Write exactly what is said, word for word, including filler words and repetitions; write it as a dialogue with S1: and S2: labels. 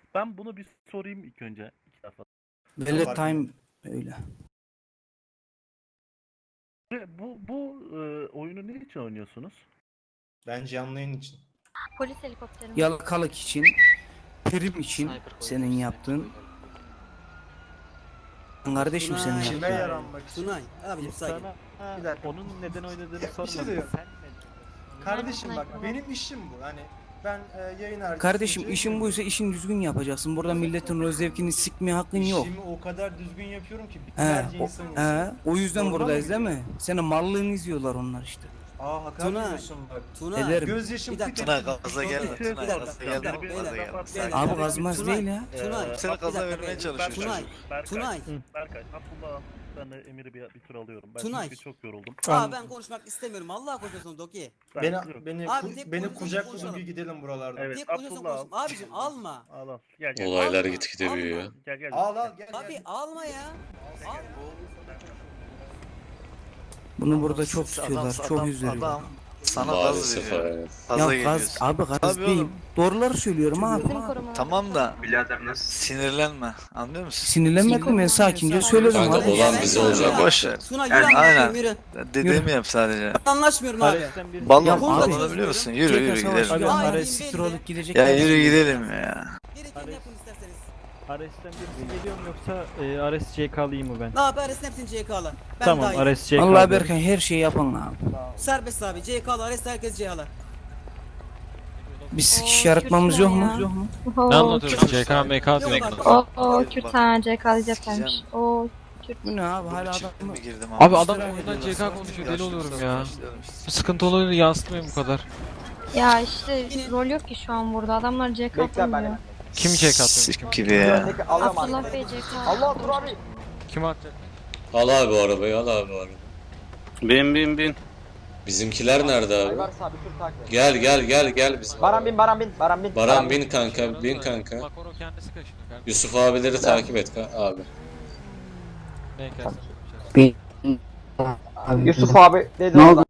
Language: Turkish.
S1: Ben bunu bir sorayım ilk önce. İki defa.
S2: Velvet time öyle.
S1: Ve Bu, bu e, oyunu ne için oynuyorsunuz?
S3: Bence canlı yayın için.
S4: Polis helikopteri mi?
S2: Yalakalık için, prim için senin yaptığın. Kardeşim senin
S5: Tunay.
S3: Kime
S2: yaptığın.
S3: yaranmak için?
S5: Tunay abicim sakin.
S1: Sana
S3: Bir dakika.
S1: onun neden oynadığını
S3: Bir şey
S1: sormadım.
S3: diyorum.
S1: Sen ne?
S3: Kardeşim bak
S4: Sniper.
S3: benim işim bu. Hani ben e, yayın arkasında...
S2: Kardeşim işin buysa işin düzgün yapacaksın. Burada milletin rol zevkini sikmeye hakkın yok.
S3: İşimi o kadar düzgün yapıyorum ki
S2: He,
S3: binlerce
S2: o,
S3: insan
S2: he,
S3: izliyor.
S2: o yüzden
S3: Doğru
S2: buradayız
S3: mu
S2: değil
S3: gidiyor?
S2: mi? Senin mallığını izliyorlar onlar işte.
S3: Aa hakaret
S5: Tunay.
S3: ediyorsun bak.
S5: Tunay.
S2: Ederim.
S3: Gözyaşım
S5: Bir dakika.
S3: tık
S6: Tunay
S3: etsin.
S6: gaza gelme.
S3: Tunay.
S6: Tunay
S5: Bir
S6: gaza
S5: dakika,
S6: gelme.
S5: bir dakika,
S6: Gaza
S5: bir
S6: gelme.
S5: dakika.
S2: Abi gazmaz
S5: Tunay,
S2: değil ya.
S5: Tunay.
S6: Seni
S5: bak, bir
S6: gaza
S5: dakika,
S6: vermeye
S5: bir-
S6: çalışıyor
S5: Tunay.
S6: çocuk.
S1: Berkay,
S5: Tunay.
S1: Berkay, Abdullah, ben de Emir'i bir, bir tur alıyorum. Ben
S5: Tunay.
S1: çünkü çok yoruldum.
S5: Aa ben konuşmak istemiyorum. Allah konuşuyorsun Doki.
S1: Ben-
S3: Beni,
S1: yok.
S3: beni,
S5: Abi,
S3: ku-
S5: tek
S3: beni
S5: konuşalım,
S3: kucakla
S5: konuşalım.
S3: bir gidelim buralardan.
S1: Evet,
S5: Tek konuşuyorsun
S1: Abdullah
S5: konuşma. Abicim alma.
S1: Al al. Gel gel.
S7: Olaylar
S5: Alma,
S7: gitgide büyüyor.
S5: alma.
S1: Gel gel.
S3: Al al gel
S5: Abi
S3: gel.
S5: alma ya. Al.
S2: Bunu burada çok
S6: Adam-
S2: tutuyorlar, çok
S6: adam-
S2: üzülüyorlar.
S6: Adam sana gaz
S7: Maalesef
S6: veriyor.
S7: evet.
S6: Gaza
S2: Ya gaz,
S6: geliyorsun.
S2: abi gaz
S6: Tabii
S2: değil.
S6: oğlum.
S2: Doğruları söylüyorum abi.
S4: Bizim korumalar.
S6: Tamam da sinirlenme. Anlıyor musun?
S2: Sinirlenmedim ben sakince söyledim
S7: Kanka,
S2: abi.
S7: olan bize olacak.
S6: Boş ver.
S5: Tuna yürü
S6: Yani,
S5: anlaşmıyorum
S6: aynen.
S5: yürü.
S6: Dediğimi yap sadece.
S5: Anlaşmıyorum abi.
S6: Balon
S2: Ya
S6: balonu
S2: abi.
S6: biliyor musun? Yürü yürü
S2: Tekrar savaş
S6: gidelim.
S2: gibi
S5: Abi,
S2: onlara
S5: abi,
S2: siktir
S5: belli.
S2: olup gidecek.
S6: Ya yürü gidelim ya.
S5: Gerekeni yapın isterseniz.
S8: Ares'ten birisi geliyor mu yoksa e, Ares C K'lıyım mı ben?
S5: Ne yapar Ares'in hepsini C K'la. Ben
S8: Tamam
S5: dahil.
S8: Ares C K.
S2: Allah Berkay her şeyi yapın abi.
S5: Serbest abi. C K'la Ares herkes C K'la.
S2: Bir sikiş
S4: Oo,
S2: yaratmamız
S4: Türkler
S2: yok mu?
S4: ya.
S2: Yok mu?
S4: Oo,
S8: Ne anlatıyorsun?
S6: Kürt-
S8: C K M K
S5: Yok
S8: diyor.
S5: abi.
S4: O, o
S6: Bak,
S4: Kürt
S6: bak.
S4: ha C K diyeceklermiş.
S6: Sikeceğim.
S4: O
S2: Bu ne abi
S6: Bu
S2: hala
S6: çıktı
S2: adam
S6: mı girdim
S8: Abi adam
S2: İstirar
S8: oradan C
S2: ediyorlar.
S8: K konuşuyor deli oluyorum ya.
S6: Başlayalım işte.
S8: Bu sıkıntı olayını yansıtmıyor bu kadar.
S4: ya işte rol yok ki şu an burada. Adamlar C K atmıyor.
S8: Kim C K atıyormuş?
S6: Sik gibi ya.
S4: Abdullah Bey C K. Allah dur abi.
S8: Kim atacak?
S7: Al abi o arabayı, al abi o arabayı.
S9: Bin bin bin.
S7: Bizimkiler nerede abi? Gel gel gel gel bizim.
S10: Baran bin, Baran bin, Baran bin.
S7: Baran bin kanka, bin kanka.
S8: Bak onu kendisi kaşınıyor kanka.
S7: Yusuf abileri takip et ka- abi.
S8: Ne kesin?
S10: Yusuf abi dedi. Ne oldu?